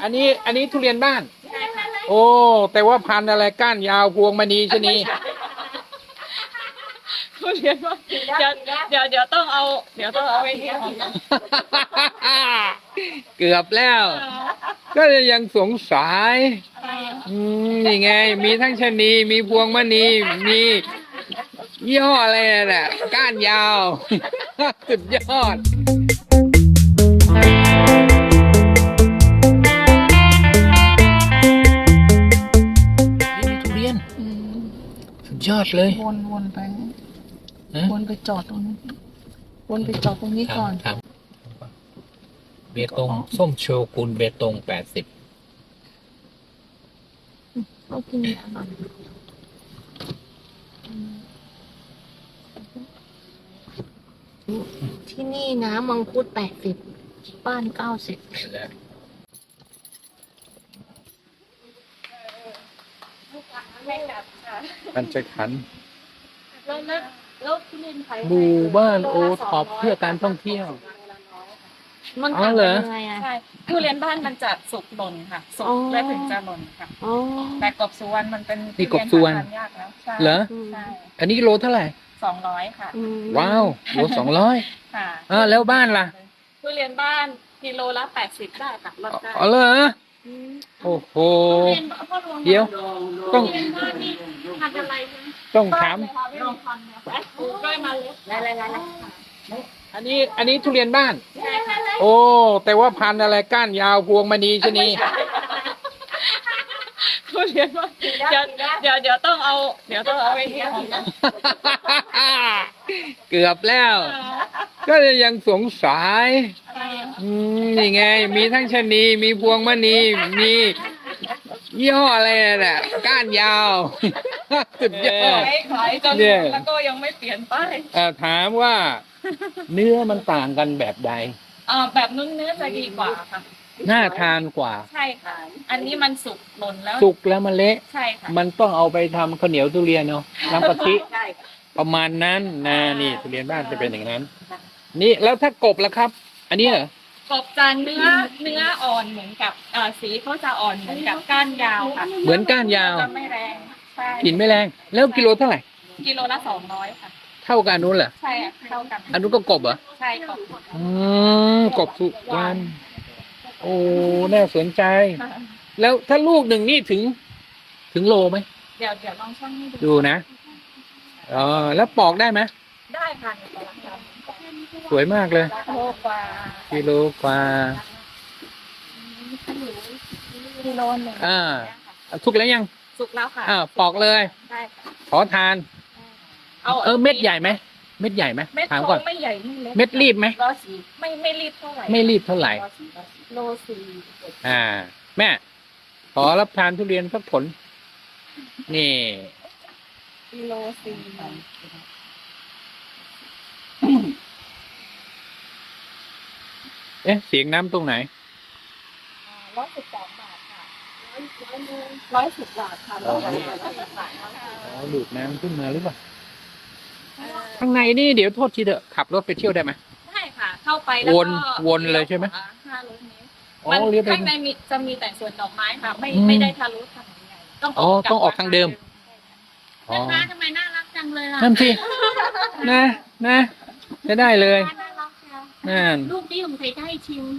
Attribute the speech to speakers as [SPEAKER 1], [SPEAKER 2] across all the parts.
[SPEAKER 1] อันนี้ทุเรียนบ้าน
[SPEAKER 2] ใช่ค่ะ
[SPEAKER 1] โอ้แต่ว่าพันธุ์อะไรก้านยาวพวงมณีชะนี
[SPEAKER 2] ทุเรียนว่าเดี๋ยวต้องเอาไปเที่ยว
[SPEAKER 1] เกือบแล้ว ก็ยังสงสัยนี่ไง มีทั้งชะนีมีพวงมณีมียี่ห้ออะไรน่ะก้านยาว สุดยอดนี่ทุเรียนสุดยอดเลย
[SPEAKER 2] วนไปวนไปจอดตรงนี้วนไปจอดตรงนี้ก่อน
[SPEAKER 1] ครับเบตงส้มโชกุนเบตง80
[SPEAKER 2] เขากินที่นี่นะมังคุด80บ้าน90
[SPEAKER 1] มันจะขัน
[SPEAKER 2] แล้วทุเรียนไทย
[SPEAKER 1] หมู่บ้านโอท็อปเพื่อการท่องเที่ยว
[SPEAKER 2] มัน
[SPEAKER 1] อ๋อเหรอ
[SPEAKER 2] ยังไงอ่ะ
[SPEAKER 3] ใช่ทุเรียนบ้านมันจะสุกหล่นค่ะ สุก
[SPEAKER 2] อ๋อ
[SPEAKER 3] และถึงจะหล่นค่ะ
[SPEAKER 2] อ๋อ
[SPEAKER 3] แต่กบสุวรรณมันเป็น
[SPEAKER 1] นี่กบสุวรรณ
[SPEAKER 3] ทุเยนหาทานยากแล้วใช่
[SPEAKER 1] เหรอ
[SPEAKER 3] ใช่
[SPEAKER 1] อันนี้โลเท่าไหร่
[SPEAKER 3] 200ค่ะ
[SPEAKER 1] ว้าวโล200
[SPEAKER 3] ค่ะ
[SPEAKER 1] แล้วบ้านล่ะ
[SPEAKER 3] ทุเรียนบ้านกิโลละ80ได้ค่ะลดได้
[SPEAKER 1] อ๋อเหรอโอ้โห เดี๋ยว ต้อง
[SPEAKER 2] ทุเรียนบ้านนี่พันธุ์อะไรนะ
[SPEAKER 1] ต้องถาม
[SPEAKER 3] ลองพันเนี่ยปลูกด้วยเมาเล็ด
[SPEAKER 2] อะไร
[SPEAKER 1] อันนี้ทุเรียนบ้าน
[SPEAKER 3] ใช่ค่ะ
[SPEAKER 1] โอ้แต่ว่าพันธุ์อะไรก้านยาวพวงมณีชะนี
[SPEAKER 3] ทุเรียนว่าเดี๋ยวต้องเอาไปเที่ยว
[SPEAKER 1] เกือบแล้ว ก็ยังสงสัยนี่ไง มีทั้งชะนีมีพวงมณีมียี่ห้ออะไรน่ะก้านยาว สุดยอด
[SPEAKER 3] ขายจน
[SPEAKER 1] เนี่ย
[SPEAKER 3] แล้วก็ยังไม่เปลี่ยนป้าย
[SPEAKER 1] ถามว่าเนื้อมันต่างกันแบบใด
[SPEAKER 3] แบบนุ่นเนื้อจะดีกว่าค่ะ
[SPEAKER 1] น่าทานกว่า
[SPEAKER 3] ใช่ค่ะ อันนี้มันสุกหล่นแล้ว
[SPEAKER 1] สุกแล้วมันเละ
[SPEAKER 3] ใช่ค่ะ
[SPEAKER 1] มันต้องเอาไปทำข้าวเหนียวทุเรียนเนาะน้ำกะทิ
[SPEAKER 3] ใช่ค่ะ
[SPEAKER 1] ประมาณนั้นนะนี่ทุเรียนบ้านจะเป็นอย่างนั้น นี่แล้วถ้ากบล่ะครับ อันนี้เหรอก
[SPEAKER 3] บจานเนื้ออ่อนเหมือนกับสีเขาจะอ่อนเหมือนกับก้านยาวค่ะ
[SPEAKER 1] เหมือนก้านยาว
[SPEAKER 3] จะไม่แรงใช่
[SPEAKER 1] กลิ่นไม่แรง แล้วกิโลเท่าไหร่
[SPEAKER 3] กิโลละ200ค่ะ
[SPEAKER 1] เท่ากันนู้นเหรอ
[SPEAKER 3] ใช่ค่ะเท่ากัน
[SPEAKER 1] อันนู้นก็กบเหรอ
[SPEAKER 3] ใช่กบ
[SPEAKER 1] กบสุวรรณโอ้น่าสนใจ แล้วถ้าลูกหนึ่งนี่ถึงโลไหม
[SPEAKER 3] เดี๋ยวลองช่างให้ดู
[SPEAKER 1] ดูนะแล้วปอกได้ไหม
[SPEAKER 3] ได้ค่ะในตลาด
[SPEAKER 1] สวยมากเลย
[SPEAKER 3] โลกว่า
[SPEAKER 1] กิโลกว่า
[SPEAKER 3] กิโลหนึ่ง
[SPEAKER 1] ทุกแล้วยัง
[SPEAKER 3] สุกแล้วค่ะ
[SPEAKER 1] ปอกเลย
[SPEAKER 3] ได้ค่ะ
[SPEAKER 1] ขอทาน เม็ดใหญ่ไหมเม็ดใหญ่ไหม
[SPEAKER 3] เม็ด
[SPEAKER 1] ถาม
[SPEAKER 3] เขา
[SPEAKER 1] ก่อน
[SPEAKER 3] ไม่ใหญ่ไม่เล็ก
[SPEAKER 1] เม็ดรีบไหม
[SPEAKER 3] ไม่รีบเท่าไหร่
[SPEAKER 1] ไม่รีบเท่าไหร่
[SPEAKER 3] โลสี่
[SPEAKER 1] แม่ขอรับทานทุเรียนสักผล นี่
[SPEAKER 3] กิโลสี่
[SPEAKER 1] เสียงน้ำตรงไหน
[SPEAKER 3] 112 บาทค่ะ110 บาทค่ะ
[SPEAKER 1] ดูดน้ำขึ้นมาหรือเปล่าข้างในนี่เดี๋ยวโทษทีเถอะขับรถไปเที่ยวได้ไหม
[SPEAKER 3] ได้ค่ะ เข้าไปแล้วก็
[SPEAKER 1] วนเลยใช่ไหม
[SPEAKER 3] 500 เมตร
[SPEAKER 1] อ๋อเรียบไป
[SPEAKER 3] ข้างในจะมีแต่สวนดอกไม้ค่ะ ไม่ได้ทะลุถนนใหญ่ต้องออก
[SPEAKER 1] ทางเดิม
[SPEAKER 2] นะคะทำไมน่ารักจังเลยล่ะ
[SPEAKER 1] นั่นสินะจะได้เลย
[SPEAKER 2] น่ารักจัง
[SPEAKER 1] นั่น
[SPEAKER 2] ลูกนี่ผมเคยได้ชิม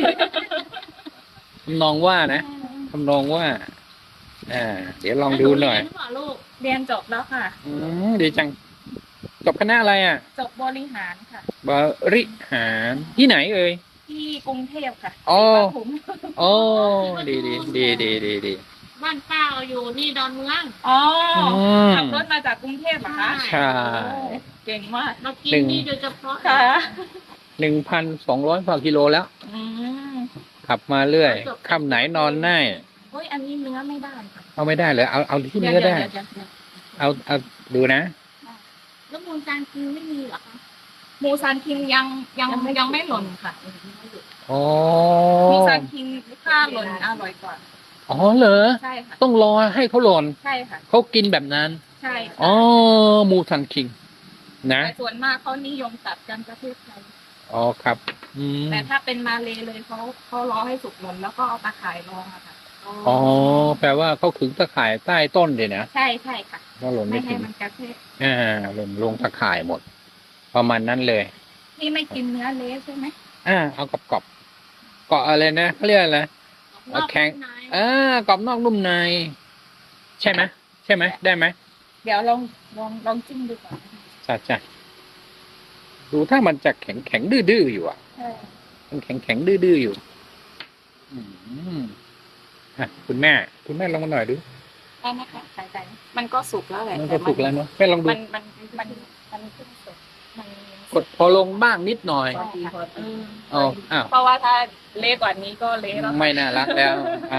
[SPEAKER 1] ทำนองว่านะทำนองว่าเดี๋ยวลองดูหน่อย
[SPEAKER 2] หรือเปล่าลูก
[SPEAKER 3] เรียนจบแล้วค่ะ
[SPEAKER 1] ดีจังจบคณะอะไร
[SPEAKER 3] จบบริหารค่ะ
[SPEAKER 1] บริหารที่ไหนเอ่ย
[SPEAKER 3] ที่กรุงเทพค่ะ
[SPEAKER 1] อ๋อ
[SPEAKER 3] ศรีปทุม
[SPEAKER 1] โอ้ดี
[SPEAKER 2] บ้านป้าอยู่นี่ดอนเมือง
[SPEAKER 3] อ๋อ
[SPEAKER 1] ม
[SPEAKER 3] ขับรถมาจากกรุงเทพเหรอคะ
[SPEAKER 1] ใช่
[SPEAKER 3] โอ้เก่งมาก
[SPEAKER 2] มากินนี่โดยเฉพาะ
[SPEAKER 3] ค่ะ
[SPEAKER 1] 1,200 กว่ากิโลแล้ว
[SPEAKER 3] อืม
[SPEAKER 1] ขับมาเรื่อยค่ำไหนนอนได้
[SPEAKER 3] เฮ้ยอันนี้เนื้อไม่ได้ค่ะ
[SPEAKER 1] เอาไม่ได้เลยเอาที่เนื้อได้
[SPEAKER 3] เยว
[SPEAKER 1] เอาดูนะ
[SPEAKER 2] แล้วมูลการกินไม่มีเหรอคะ
[SPEAKER 3] หมูซานคิงยังไม่หล่นค่ะ
[SPEAKER 1] อ๋อ
[SPEAKER 3] หมูซานคิงถ้าหล่นอร่อยกว่า
[SPEAKER 1] อ๋อเหรอ
[SPEAKER 3] ใช่ค่ะ
[SPEAKER 1] ต้องรอให้เขาหล่น
[SPEAKER 3] ใช่ค่ะ
[SPEAKER 1] เขากินแบบนั้น
[SPEAKER 3] ใช่
[SPEAKER 1] อ๋อมูทันคิงนะ
[SPEAKER 3] แต่ส่วนมากเขานิยมตัดกันประเทศไทย
[SPEAKER 1] อ๋อครับ อืม
[SPEAKER 3] แต่ถ้าเป็นมาเลเลยเขารอให้สุกหมดแล้วก็เอาตะข่ายรองอะค่ะ
[SPEAKER 1] อ๋อแปลว่าเขาขึงตะข่ายใต้ต้นเลยนะ
[SPEAKER 3] ใช่ใช่ค่ะ
[SPEAKER 1] ก็หล่น
[SPEAKER 3] ไม่
[SPEAKER 1] ไม่
[SPEAKER 3] ให้
[SPEAKER 1] ถึง
[SPEAKER 3] มันกระเทศ
[SPEAKER 1] หล่นลงตะข่ายหมด ประมาณนั้นเลย
[SPEAKER 3] นี่ไม่กินเนื้อเละใช่ไหม
[SPEAKER 1] เอากรอบๆเกาะอะไรนะเขาเรียกอะไรแข็งกรอบนอกนุ่มใน ใช่ไหมใช่ไหมได้ไหม
[SPEAKER 3] เดี๋ยวลองจิ้มดูก่อน
[SPEAKER 1] จ้ะดูถ้ามันจะแข็งดื้อๆอยู่อ่ะ
[SPEAKER 3] ใช่
[SPEAKER 1] มันแข็งดื้อๆอยู่ อืมคุณแม่ลองมาหน่อยดู
[SPEAKER 3] ได้ไหมคะใส่มันก็สุกแล้วแหละ
[SPEAKER 1] มันก็สุกแล้วเนาะแม่ลองดู
[SPEAKER 3] มันเพิ่งสุกมัน
[SPEAKER 1] กดพอลงบ้างนิดหน่อย อ๋ออ้าว
[SPEAKER 3] เพราะว่าถ้าเละกว่านี้ก็เละแล้ว
[SPEAKER 1] ไม่น่ารักแล้ว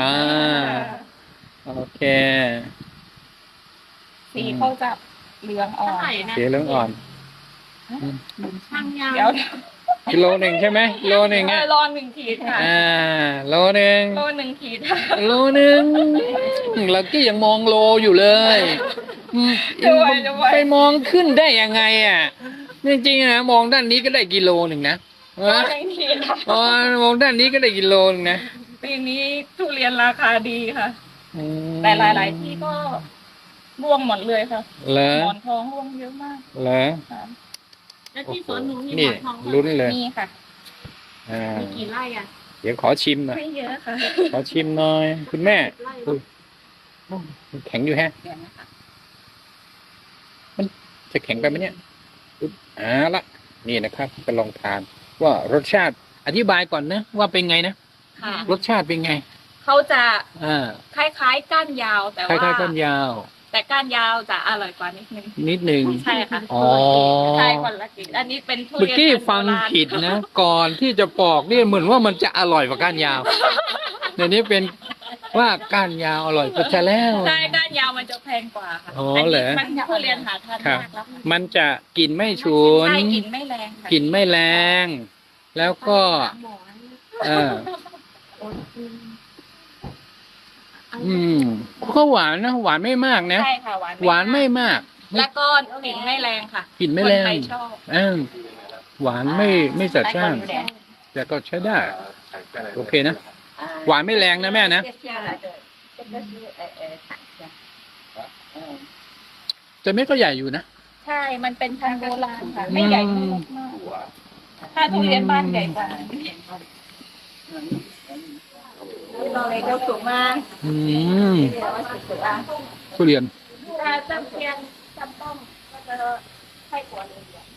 [SPEAKER 1] โอเค
[SPEAKER 3] สีเขาจะเหลืองอ่อน
[SPEAKER 1] เสียเรื่องอ่อน
[SPEAKER 3] ช่างยาว
[SPEAKER 1] กิโลหนึ่งใช่ไหมโลหนึ่งอ่ะ
[SPEAKER 3] รอ1 ขีดค่ะ
[SPEAKER 1] โลหนึ่ง
[SPEAKER 3] โล1 ขีด
[SPEAKER 1] โลหนึ่งเรากี้ยังมองโลอยู่เลยไปมองขึ้นได้ยังไงอ่ะจริงๆนะมองด้านนี้ก็ได้กิโลหนึ่งนะ
[SPEAKER 3] โล1 ขีด
[SPEAKER 1] มองด้านนี้ก็ได้กิโลหนึ่งนะ
[SPEAKER 3] ปีนี้ทุเรียนราคาดีค่ะ
[SPEAKER 1] อืม
[SPEAKER 3] แต่หลาย ๆ ที่ก็ร่วงหมดเลยค่ะ
[SPEAKER 1] เหรอ
[SPEAKER 3] หมอนทองร่วงเยอะมาก
[SPEAKER 1] เหรอ
[SPEAKER 3] ค่ะ
[SPEAKER 2] แล้วที่สวนหนูมีห
[SPEAKER 1] นี่
[SPEAKER 2] มอนทอง
[SPEAKER 1] ลุ้นเลย
[SPEAKER 3] มีค่ะ
[SPEAKER 2] มีกี่ไร่อ่ะ
[SPEAKER 1] เดี๋ยวขอชิมหน่อย
[SPEAKER 3] ไม่เยอะค่ะ
[SPEAKER 1] ขอชิมหน่อย คุณแม่
[SPEAKER 2] ไร่
[SPEAKER 1] อุ้ยแข็งอยู่แฮะ
[SPEAKER 3] เดี๋ยวนะคะ
[SPEAKER 1] จะแข็งไปไหมเนี่ยอุ๊บละนี่นะครับจะลองทาน ว่ารสชาติอธิบายก่อนนะ ว่าเป็นไงนะ
[SPEAKER 3] ค่ะ
[SPEAKER 1] รสชาติเป็นไง
[SPEAKER 3] เขาจะ
[SPEAKER 1] อ่า
[SPEAKER 3] คล้ายๆก้านยาวแต่
[SPEAKER 1] คล้า
[SPEAKER 3] ว่าย
[SPEAKER 1] ๆก้านยาว
[SPEAKER 3] แต่ก้านยาวจะอร่อยกว่านิดนึง
[SPEAKER 1] นิดหนึ่ง
[SPEAKER 3] ใช่ค่ะ
[SPEAKER 1] อ๋อ
[SPEAKER 3] ใช่คนละกินอันนี้เป็นทุ
[SPEAKER 1] เมื่อ
[SPEAKER 3] เรียน
[SPEAKER 1] กี้
[SPEAKER 3] พันธุ์
[SPEAKER 1] ฟัง
[SPEAKER 3] โบราณ
[SPEAKER 1] ผิดนะ ก่อนที่จะปอกเนี่ยเหมือนว่ามันจะอร่อยกว่าก้านยาวเดี๋ยวนี้เป็นว่าก้านยาวอร่อยกว่าจะแล้ว
[SPEAKER 3] ใช่ก้านยาวมันจะแพงกว่าค่ะ
[SPEAKER 1] อ๋อ
[SPEAKER 3] อัน
[SPEAKER 1] เหร
[SPEAKER 3] นี้
[SPEAKER 1] อ
[SPEAKER 3] มันทุเรียนหาทาน
[SPEAKER 1] ครับ
[SPEAKER 3] ยากแล้วค่ะ
[SPEAKER 1] มันจะกลิ่นไม่ฉุน
[SPEAKER 3] ใช่กลิ่นไม่แรงค่ะ
[SPEAKER 1] กลิ่นไม่แรง แล้วก็
[SPEAKER 2] หมอน
[SPEAKER 1] เออก็หวานนะหวานไม่มากนะ
[SPEAKER 3] ใช่ค่ะหวาน
[SPEAKER 1] ไม่มาก
[SPEAKER 3] แล้วก็กลิ่นไม่แรงค่ะ
[SPEAKER 1] กลิ่นไม่แรง
[SPEAKER 3] คนไทยชอบ
[SPEAKER 1] หวานไม่จัดจ้าน
[SPEAKER 3] แต่คนแดง
[SPEAKER 1] แต่ก็ใช้ได้ โอเคนะ หวานไม่แรงนะแม่นะแต่เม็ดก็ใหญ่อยู่นะ
[SPEAKER 3] ใช่ มันเป็นพันธุ์โบราณค่ะ ไม่ใหญ่ไม่เล็กมากถ้าทุเรียนบ้านใหญ่กว่าเราเลยก็สูงมาก
[SPEAKER 1] ทุเรียน
[SPEAKER 3] ถ้าจำเพียนจำต้องก็จะให้กว่าเลย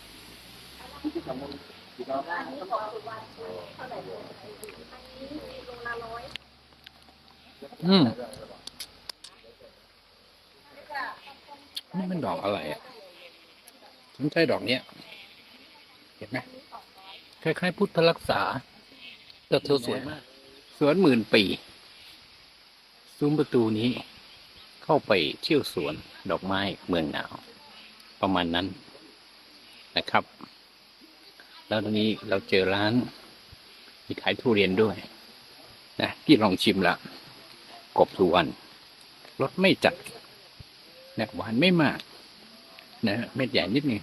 [SPEAKER 1] นี่มันดอกอะไรอ่ะสนใจดอกเนี้ย เห็นไหมคล้ายๆพุทธรักษา แต่เธอสวยมาก สวนหมื่นปี ซุ้มประตูนี้ เข้าไปเที่ยวสวนดอกไม้เมืองหนาว ประมาณนั้นนะครับ แล้วตรงนี้เราเจอร้าน มีขายทุเรียนด้วยนะที่ลองชิมละกบสุวรรณรสไม่จัดนะหวานไม่มากนะเม็ดใหญ่นิดนึง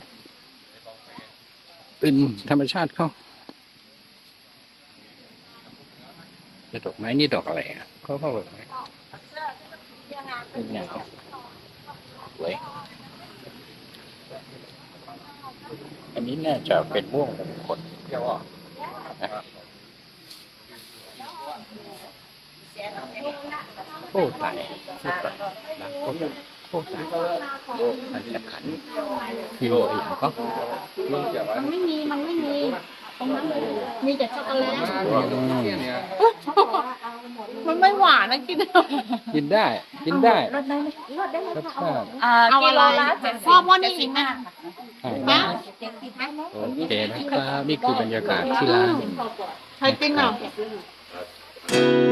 [SPEAKER 1] เป็นธรรมชาติเขาแต่ดอกไม้นี่ดอกอะไรอ่ะเขาแบบไหนเงาสวยอันนี้น่าจะเป็นม่วงมงคลนะโอ้ตายโอ้ตายมันจะขันพี่โออย่างก็
[SPEAKER 2] มันไม่มีตรงนั้นเลยมีแต่ช็อกโกแลตมันไม่หวานนะกิน
[SPEAKER 1] กินได้กินได้
[SPEAKER 2] รสได้ไหมรสได้ไหม
[SPEAKER 1] รส
[SPEAKER 2] คะ
[SPEAKER 1] ชาติ
[SPEAKER 3] กิโลละ70
[SPEAKER 2] พ่อพ่อนี่อีกนะ
[SPEAKER 1] นะโอเคนะครับนี่คือบรรยากาศที่ร้าน
[SPEAKER 2] ใครกินอ่ะ